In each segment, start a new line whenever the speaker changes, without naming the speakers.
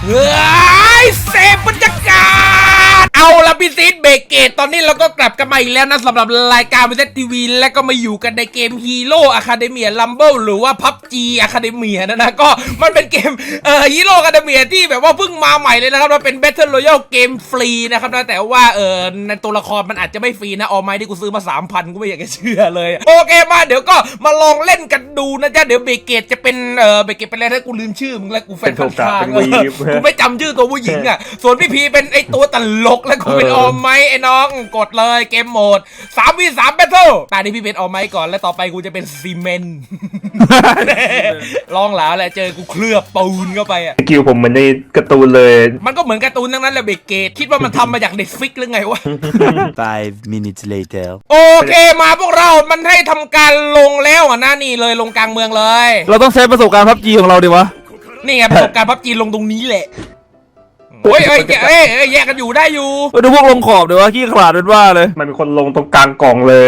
เฮ้ยเซฟบรรยากาศเอาละพี่ซีดเบรกเกตตอนนี้เราก็กลับกันมาอีกแล้วนะสำหรับรายการวิทยทีวีและก็มาอยู่กันในเกม Hero Academia Rumble หรือว่า PUBG Academia นะก็มันเป็นเกมHero Academia ที่แบบว่าเพิ่งมาใหม่เลยนะครับมันเป็น Battle Royale เกมฟรีนะครับนะแต่ว่าในตัวละครมันอาจจะไม่ฟรีนะออไม้ที่กูซื้อมา 3,000 กูไม่อยากจะเชื่อเลยโอเคมาเดี๋ยวก็มาลองเล่นกันดูนะจ๊ะเดี๋ยวเบรกเกตจะเป็นเบรกเกตเป็นอะไรถ้ากูลืมชื่อมึงแล้วกูแฟนพันธุ์ทางกูไม่จำชื่อตัวผู้หญิงอ่ะส่วนพี่พีเป็นไอตัวตลกแล้วกูเป็นออไม้ไอ้น้องกดเลยเกมโหมด 3v3 Battle ตอนนี้พี่เป็นออไม้ก่อนแล้วต่อไปกูจะเป็นซีเมนต์ ลองหลาแหละเจอกูเคลือบปูนเข้าไปอ่ะ
สกิลผมเหมือนในการ์ตูนเลย
มันก็เหมือนการ์ตูนทั้งนั้นแหละเบรกเกตคิดว่ามันทำมาจากเน็ตฟิกหรือไงวะ
5 minutes later
โอเคมาพวกเรามันให้ทำการลงแล้วอ่ะนะนี่เลยลงกลางเมืองเลย
เราต้องใช้ประสบการณ์ PUBG ของเราดิวะ
นี่ไงประสบการณ์ PUBG ลงตรงนี้แหละแยกกันอยู่ได้อยู่
ดูพวกลงขอบดิวะขี้ขลาดเป็นว่าเลย
มันเป็นคนลงตรงกลางกล่องเลย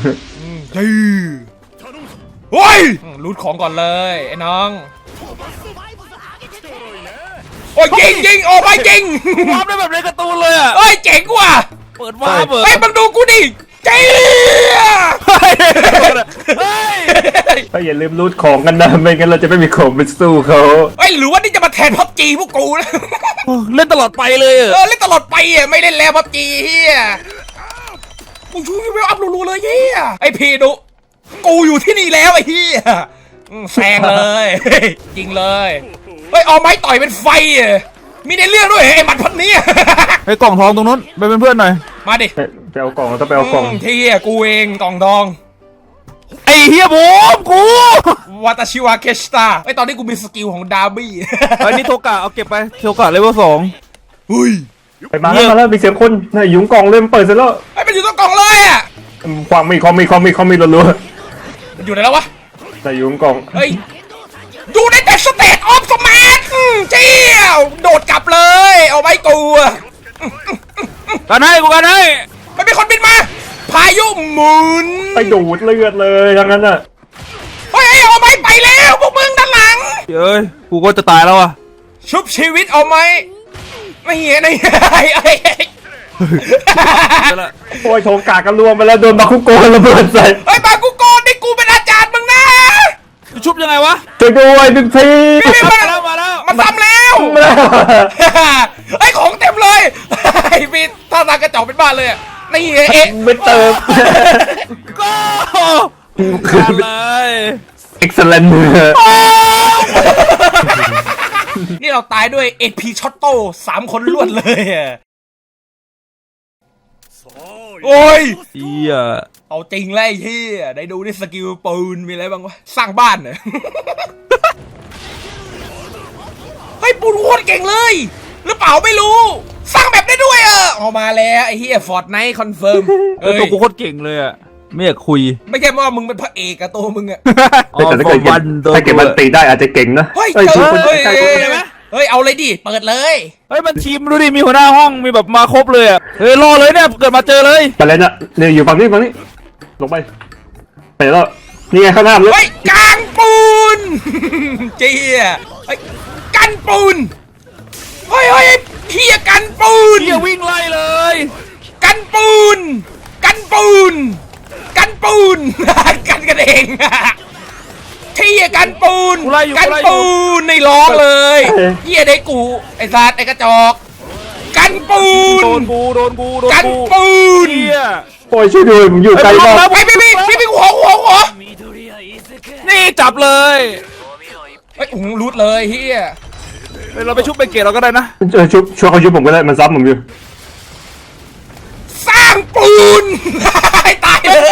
โอ้ยรูดของก่อนเลยไอ้น้องโอ้ยจริงโอ้ไม่จริง
วาร์ปได้แบบในการ์ตูนเลยอ่ะ
เฮ้ยเจ๋งว่ะ
เปิดวาร์ปเปิด
เฮ้ยมึงดูกูดิเจ๊
ก็อย่าลืมรูดของกันนะไม่งั้นเราจะไม่มีของไปสู้เขา
เฮ้ยหรือว่านี่จะมาแทน PUBG พวกกูนะ
เล่นตลอดไปเลย
เล่นตลอดไปอ่ะไม่เล่นแล้ว PUBG เฮียกูช่วยเวลอัพรัวๆเลยเฮียไอพีดูกูอยู่ที่นี่แล้วไอ้เฮียแซงเลยจริงเลยเฮ้ยเอาไม้ต่อยเป็นไฟอ่ะมีในเรื่องด้วยไอ้หมัดพันนี้
ไอ้กล่องทองตรงนู้นไปเป็นเพื่อนหน่อย
มาดิ
ไปเอากล่องแล้วก็ไปเอากล่อง
ที่กูเองกล่องทอง
ไอ้เฮียผมกู
วาตาชิวะเคสตาไอ้ตอนนี้กูมีสกิลของดาร์บี้
ไอ้นี่โทกะเอาเก็บไปโทกะเลเวล2
เฮ้ย
ไปมาแล้วมีเสียงคนน่ะยุงกล่องเริ่มเปิดเสร็จแล้ว
ไอ้มันอยู่ตรงกล่องเลยอ่ะ
ความมีรัว
มันอยู่ไหนแล้ววะ
แต่ยุงกล่อง
เฮ้ยดูในแต่สเตตออฟสมาร์ทเจี้ยวโดดกลับเลยเอาไว้กู
กันให้กูกันให้
มันมีคนบินมาพายุหมุน
ไปดูดเลือดเลยทั้งนั้นอ่ะ
เฮ้ยเอาไม้ไปแล้วพวกมึงด้านหลัง
เฮ้ยกูก็จะตายแล้วอ่ะ
ชุบชีวิตเอาไหมไม่เหี้ย
โอ้ยโถกากันรวมไปแล้วโดนบาคุโกะระเบิดใส่
เฮ้ยบาคุโกะนี่กูเป็นอาจารย์มึงนะ
ชุบยังไงวะ
ช่วยด้วยบิ๊กพี
มาแล้วมันทำแล้วไอ้ของเต็มเลยไอ้พี่ท่าทางกระจอกเป็นบ้านเลยนี่
ไม่เติม
ก็เลย
excellent
นี่เราตายด้วย AP ช็อตโต้3 คนรวดเลยโอ้ย
เฮีย
เอาจริงเลยไอ้เฮียได้ดูนี่สกิลปืนมีอะไรบ้างวะสร้างบ้านเหรอเฮ้ยปูนโคตรเก่งเลยหรือเปล่าไม่รู้สร้างแบบได้ด้วยออกมาแล้วไอ้เฮียฟอร์ตไนท์คอนเฟิร์ม
ตัวกูโคตรเก่งเลยอ่ะไม่อยากคุย
ไม่ใช่ว่ามึงเป็นพระเอกอะตัวมึงอะ
แต่ถ้าเกิดมันตีได้อาจจะเก่งนะ
เฮ้ยเอาเลยดิเปิดเลย
เฮ้ยมันทีมดูดิมีหัวหน้าห้องมีแบบมาครบเลยอ่ะเฮ้ยรอเลยเนี่ยเกิดมาเจอเลย
ไปเลยนะเนี่ยอยู่ฝั่งนี้ลงไปแล้วนี่ไงข้างหน้าเลย
เฮ้ยกางปูนเจี๊ยกันปูนเฮ้ยเฮียกันปูน
เฮียวิ่งไล่เลย
กันปูนกันกันเองที่กันปูนในร้องเลยเฮียได้กูไอ้สัตว์ไอ้กระจอกกันปูน
โดนกู
กันปูน
โอ้ยช่วยด้วยผมอยู่ไกลมาก
พี่หัว
นี่จับเลย
ไอ้รูดเลยเฮีย
เราไปชุบไปเกตเราก็ได้นะ
ช่วยเขาชุบผมก็ได้มันซ้ำผมอยู่
สร้างปูนตายเลย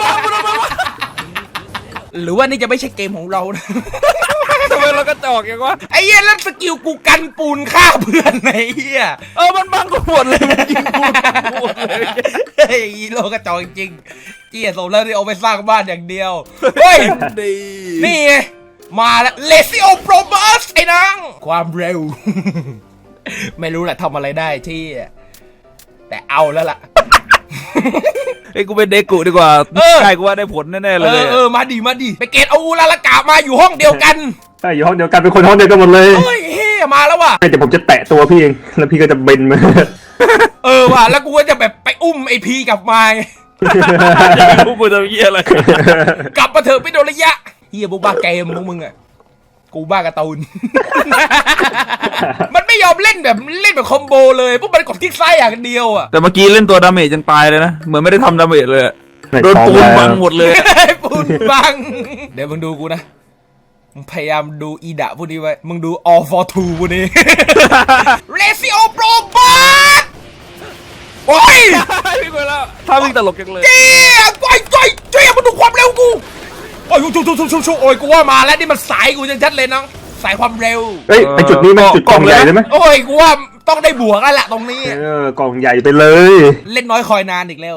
หรือว่านี่จะไม่ใช่เกมของเรานะ
ทำไมเราก็จอกอย่างวะ
ไอ้เหี้ยแล้วสกิลกูกันปูนฆ่าเพื่อนไอ้เหี้ย
มันบังกูหมดเลยมันยิงกูหมดเลย
ไอ้โลกระจอกจริงเจี๊ยสมแล้วที่เอาไปสร้างบ้านอย่างเดียวเฮ้ยนี่ไงมาแล้วเลซิโอโปรบัสไอ้นังความเร็วไม่รู้แหละทำอะไรได้ที่แต่เอาแล้วล่ะ
ไอ้กูเป็นเด็กกูดีกว่าใช่กูว่าได้ผลแน่ๆเลย
มาดิไปเกตเอาลาละกามาอยู่ห้องเดียวกัน
ใช่อยู่ห้องเดียวกันเป็นคนห้องเดียวกันหมดเลย
เฮ้ยยมาแล้วว่ะ
เดี๋ยวผมจะแตะตัวพี่เองแล้วพี่ก็จะเบนมา
ว่ะแล้วกูก็จะแบบไปอุ้มไอพีกลับมา
พวกกูจะเหี้ยอะไร
กลับมาเถอะไปโดนระยะเฮียพวกบ้าเกมพวกมึงอะกูบ้าการ์ตูน มันไม่ยอมเล่นแบบคอมโบเลยพวกมันกดคลิกซ้ายอย่างเดียวอะ
แต่เมื่อกี้เล่นตัวดาเมจจนตายเลยนะเหมือนไม่ได้ทำดาเมจเลยอะโดนปูนบังหมดเลย
ปูนบัง เดี๋ยวมึงดูกูนะมึงพยายามดูอีดะพวกนี้ไว้มึงดู all for two พวกนี้ เลซิโอโปรบอทโอ้ย
วิ่งไปแล้วถ้าวิ่งตลกจังเลย
เจี๊ยบเจี๊ยบมาดูความเร็วกูโอ้ยชุโอ้ยกูว่ามาแล้วนี่มันสายกูชัดๆเลยน้องสายความเร็ว
เฮ้ยไอจุดนี้มันจุดกล่องใหญ่เลยไหม
โอ้ยกูว่าต้องได้บวกแล้วแหละตรงนี้
กล่องใหญ่ไปเลย
เล่นน้อยคอยนานอีกแล้ว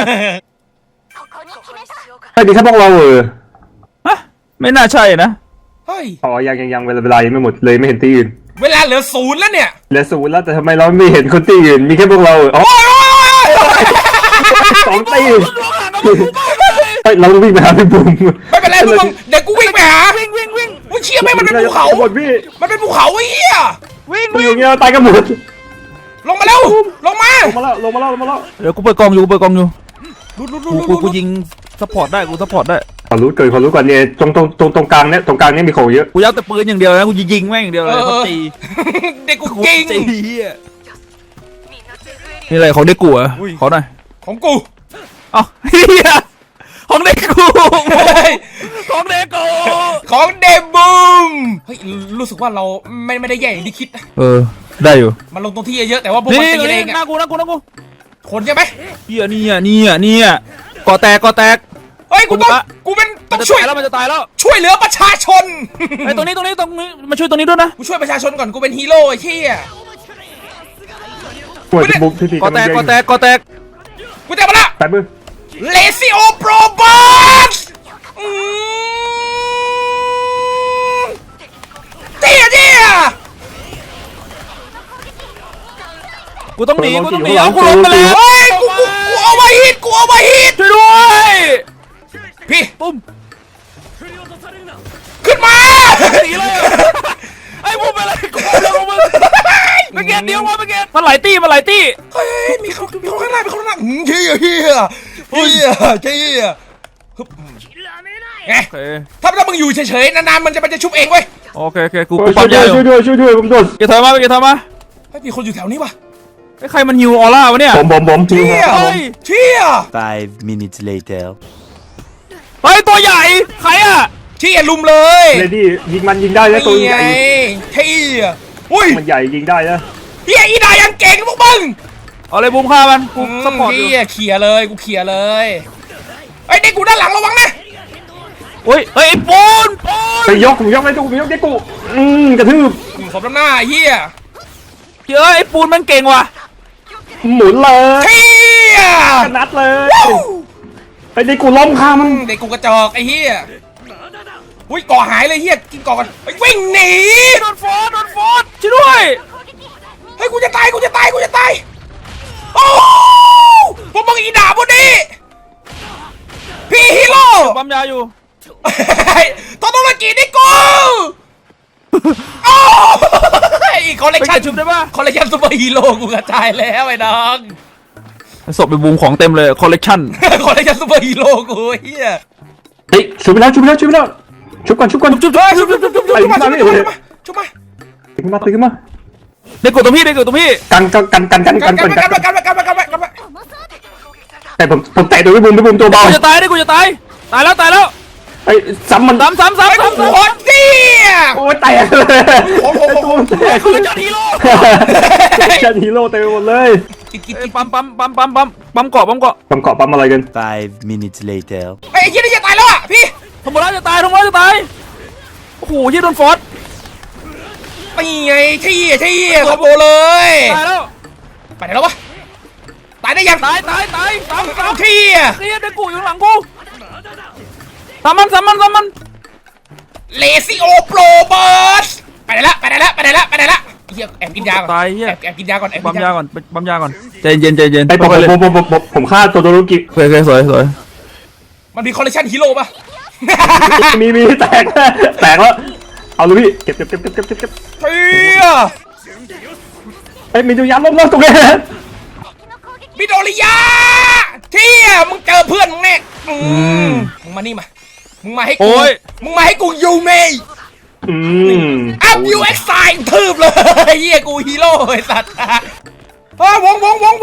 ไอ้ดีครับพวกเรา
ฮะไม่น่าใช่นะ
เฮ้ย
อ๋อยังเวลายังไม่หมดเลยไม่เห็นที่อื่น
เวลาเหลือ0แล้วเนี่ย
เหลือศูนย์แล้วแต่ทำไมเราไม่เห็นคนที่อื่นมีแค่พวกเราอ๋อ
โอ้ย
สองตีเฮ้ยเราวิ่งไปหาพี่บุ๋ม
ไม่เป็นไรพวกมึงเดี๋ยวกูวิ่งไปหาวิ่งมึงเชี่ยไหมมันเป็นภูเขา
หมดพี่
มันเป็นภูเขาไอ้เหี้ย
มันอยู่เงี้ยตายกันหมด
ลงมาเร็วลงมา
ลงมาแล้ว
เดี๋ยวกูเปิดกล่องอยู่
ดู
กูยิงซัพพอร์ตได้กูซัพพอร์ตได้
ขอรู้ก่อนเนี่ยตรงกลางเนี่ยมีของเยอะ
กูยัดแต่ปืนอย่างเดียวนะกูยิงแม่งอย่างเดียวเลยเขาตี
เด็กกูเก่ง
ตีเหี้ยนี่อะไรของเด็กกูอ่ะขอหน่อย
ของกู
อ๋อเฮียของเด็กกูของเด็กกู
ของเดบูมเฮ้ยรู้สึกว่าเราไม่ได้แย่อย่างที่คิดนะ
ได้อยู่
มันลงตรงที่เยอะแต่ว่าพวกมันตีเอง
หน้า
อะ
กู
คนใช่ไหม
เฮียเนี่ยก่อแตก
เฮ้ยกูเป็นต้องช่วย
มันจะตายแล้ว
ช่วยเหลือประชาชน
ไอ้ตรงนี้มาช่วยตรงนี้ด้วยนะ
กูช่วยประชาชนก่อนกูเป็นฮีโร่ไอ้เหี้ย
ปวดบุ๋มพี่
ก่อแตก
กูจะมาละ
แป๊บนึง
เลซิโอโปรบอทเจี๊ย
กูต้องหนีเอากูลงไปแล้ว
เฮ้ยกูเอาไว้ฮิต
ช่วยด้วย
พี่
ปุ้ม
ขึ้นมา
หนีเลยไอ้พวกเป็นอะไรกูแล้วมึงไม่เก็ตเดียวมาไม่เก็ตมันไหลตี้
เฮ้ยมีคนข้างหน้าเฮียไงถ้ามึงอยู่เฉยๆนานๆมันจะชุบเองเว้ย
โอเคกู
ช่
ปั๊
ว
ม
ย
ยาอยู่
ด้วยผมโดน
เกถอยมา
เฮ้ยมีคนอยู่แถวนี้วะ
ไอ้ใครมันฮิวออร่าวะเนี่ย
ผม
เชี่ย
5 minutes later.
เฮ้ยตัวใหญ่ใครอ่ะ
เชี่ยลุมเลย
เลดี้ยิงได้นะตัวใหญ่
เชี่ยอุ้ย
มันใหญ่ยิงได้นะ
เฮียอีดายังเก่งพวกมึง
เอาเลยบูมฆ่ามันกูซัพพอร์ตอยู่
เฮียเขี่ยเลยกูเขี่ยเลยไอ้เด็กกูด้านหลังระวังนะ
เฮ้ยไอ้ปูน
ไปยกได้กูเด็กกูกระทืบ
สมน้ำหน้าเฮีย
เฮ้ยไอ้ปูนมันเก่งว่ะ
หมุนเลย
เฮีย
นัดเลยไอ้เด็กกูล้มคามัน
เด็กกูกระจอกไอ้เฮียอุ้ยก่อหายเลยเฮียกินก่อกันวิ่งหนี
โดนฟอสช่วยด้วย
เฮ้ยกูจะตายโอ้พวกมึงอีด่าพวกนี้พี่ฮีโร่
ปั๊มยาอยู่
โทโตโรกินี่กูโอ้ยคอลเลกชัน
ชุบได้ป่ะ
คอลเลกชันซูเปอร์ฮีโร่กูกระจายแล้วไอ้น้อง
ศพไปบูมของเต็มเลยคอลเลกชัน
คอลเลกชันซูเปอร์ฮีโร่กูเฮีย
เฮ้ยชุบไปแล้วชุบก่อน
ชุบมาชุบมา
ตื่นมา
ได้กดตรงพี่
กันแต่ผมแตะตัวพี่บุ๋มตัวเบา
กูจะตายตายแล้ว
ไอ้ซ้ำมัน
ซ้ำ
ไอ้กูโคตรเตี้ย
โอ้ยแตกเลยตัวมันแตก
คือจอฮีโร่
ชันฮีโร่เต็มหมดเลย
ปั๊มเกาะ
ปั๊มอะไรกัน
5 minutes later.
ไอ้ยี่นี่จะตายแล้วอ่ะพี่
ทำไมจะตายโอ้โหยี่โดนฟอส
นี่ไงเชี่ยขโมยเลย
ตายแล้ว
ไปไหนแล้ววะตายได้ยัง
ตายซ้ำ
เชี่ย
เด็กกูอยู่หลังกูซ้ำมัน
เลซิโอโปรบอสไปไหนละเฮียแอบกินยาก่อน
ตายเฮีย
แอบกินยาก่อน
ปั๊มยาก่อนใจเย็น
ไอ้ผมฆ่าตัวโดรุกิ
โอเคสวย
มันมีคอลเลคชันฮีโร่ป่ะ
มีแตกแล้วเอาเลยพี่เก็บ
เฮีย
ไอ้มีตัวยามล้มๆตรงนี้
มิโดริยะเที่ยมึงเจอเพื่อนมึงแน่มึงมานี่มามึงมาให้กูมึงมาให้กูยูเมย์อัพยูเอ็กซ์ไซน์ทืบเลยเฮียกูฮีโร่ไอ้สัตว์วง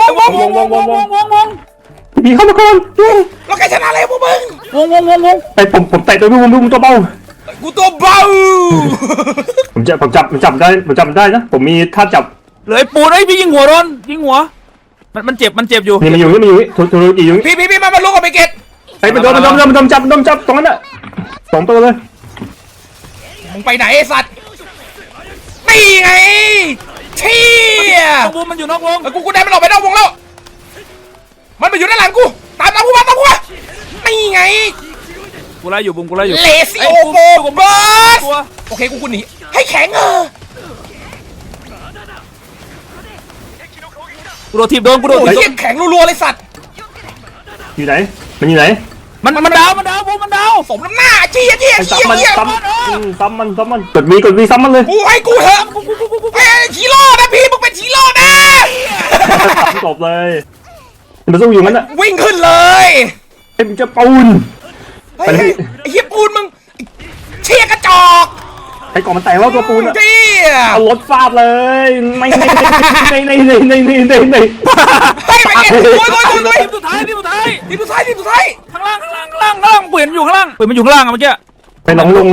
มีเข้ามาก่อน
แล้วใครชนะอะไรพวกมึง
วง
ไอ้ผมเตะตัวพี่ผมตัวเบา
กูตัวเบา
ผมจับได้นะผมมีท่าจับ
เลยปูนไอ้พี่ยิงหัวโดนยิงหัวมันเจ็บอยู่
นี่มันอยู่ถูกอีอยู่
พี่มาลุกกับไปเกต
ไอ้มันโดนจับตรงนั้นน่ะ2 ตัวเลย
มึงไปไหนไอ้สัตว์นี่ไงเที่ย
วงมันอยู่นอกวง
กูได้มันออกไปนอกวงแล้วมันมาอยู่ด้านหลังกูตามกูมานี่ไง
กูไล่อยู่บุ้มกูไล่อยู่
เลซิโอโบเบิร์สโอเคกูหนีให้แข็ง
กูโดนทีบโดนกูโดน
โอ้ยแข็งรัวๆเลยสัตว์
อยู่ไหนมันอยู่ไหน
มันดาวบุ้มมันดาว
สมน้ำหน้าเจี๊ย
ไอ้ซ้ำมันกดวีซ้ำมันเลย
กูให้กูเถอะเฮ้ยฮีโร่นะพี่มึงเป็นฮีโร่นะ
จบเลยมันสู้อยู่งั้นน่ะ
วิ่งขึ้นเลย
ไอ้มันจะปูน
ไอ้เฮียปูนมึงเชี่ยกระจอก
ไอ้กล่องมันแตกแล้วตัวปูนอ่ะ
เจี๊ย
เอารถฟาดเลยไม่ใน
ให้ไปเก็บโวย
ทีมสุดท้าย
ทีมสุดท้าย
ข้างล่างปืนอยู่ข้างล่างปืนมันอยู่ข้างล่างอะเมื่อกี้
ไปน้องลง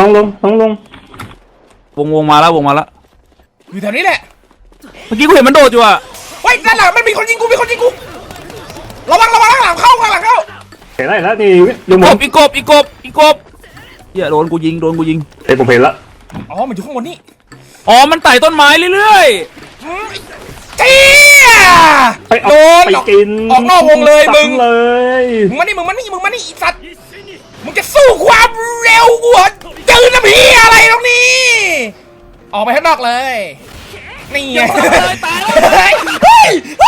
วงมาแล้ว
อยู่แถวนี้แหละ
เมื่อกี้กูเห็นมันโดดอยู่อะ
เฮ้ยด้านหลังมันมีคนยิงกูระวังข้างหลังเข้า
เห็นแล้วนี่ยังหมด
อีกบเหี้ยโดนกูยิง
ไอ้ผมเห็นแล้ว
อ๋อมันอยู่ข้างบนนี่
อ๋อมันไต่ต้นไม้เรื่อย
เจี๊ย
ไปกิน
ออกนอกวงเลยมึง
เลย
มึงมานี่อีสัตว์มึงจะสู้ความเร็วกูเหรอจืดนะพี่อะไรตรงนี้ออกไปข้างนอกเลยนี่ไงเฮ้ย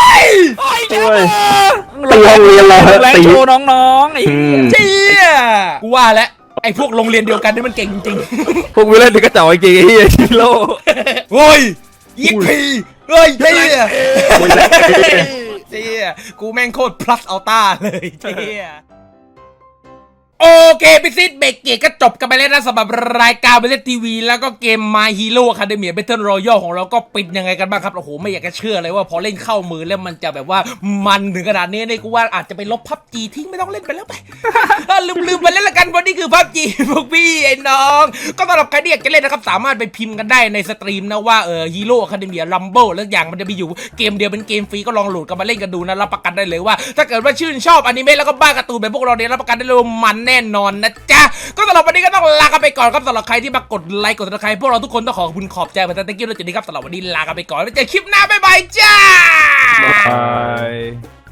ตีห้องเรียนเลย
ๆแรงโชว์น้องๆไอ้
เจี๊ยกูว่าแล้วไอ้พวกโรงเรียนเดียวกันนี่มันเก่งจริง
พวกวิลเล่นนี่ก็เจ๋อจริงไอ้เหี้ยชิโร่
โอ้ยยิงพีเฮ้ยเจี๊ยเจี๊ยกูแม่งโคตร plus ultra เลยเจี๊ยโอเคพิซิตเบรกเกตก็จบกันไปแล้วนะสำหรับรายการเบสทีวีแล้วก็เกม My Hero Academia Battle Royale ของเราก็ปิดยังไงกันบ้างครับโอ้โหไม่อยากจะเชื่อเลยว่าพอเล่นเข้ามือแล้วมันจะแบบว่ามันถึงขนาดนี้เนี่ยกูว่าอาจจะไปลบพับจีทิ้งไม่ต้องเล่นไปแล้วไป ลืมไปเล่นละกันวันนี้คือพับจีพวกพี่ไอ้น้องก็สำหรับใครที่อยากจะเล่นนะครับสามารถไปพิมพ์กันได้ในสตรีมนะว่าHero Academia Rumble แล้วอย่างมันจะมีอยู่เกมเดียวเป็นเกมฟรีก็ลองโหลดกันมาเล่นกันดูนะรับประกันได้เลยว่าถ้าเกิดว่าชื่นชอบอนิเมะแล้วก็บ้าการ์ตูนแบบพวกเราเนี่ยรับประกันได้เลยว่ามันแน่นอนนะจ๊ะก็สำหรับวันนี้ก็ต้องลากันไปก่อนครับสำหรับใครที่มากดไลค์กดซับสไครป์พวกเราทุกคนต้องขอบคุณขอบใจมาตั้งแต่ตะกี้แล้วจุดนี้ครับสำหรับวันนี้ลากันไปก่อนแล้วเจอคลิปหน้าบ๊ายบายจ้า
บาย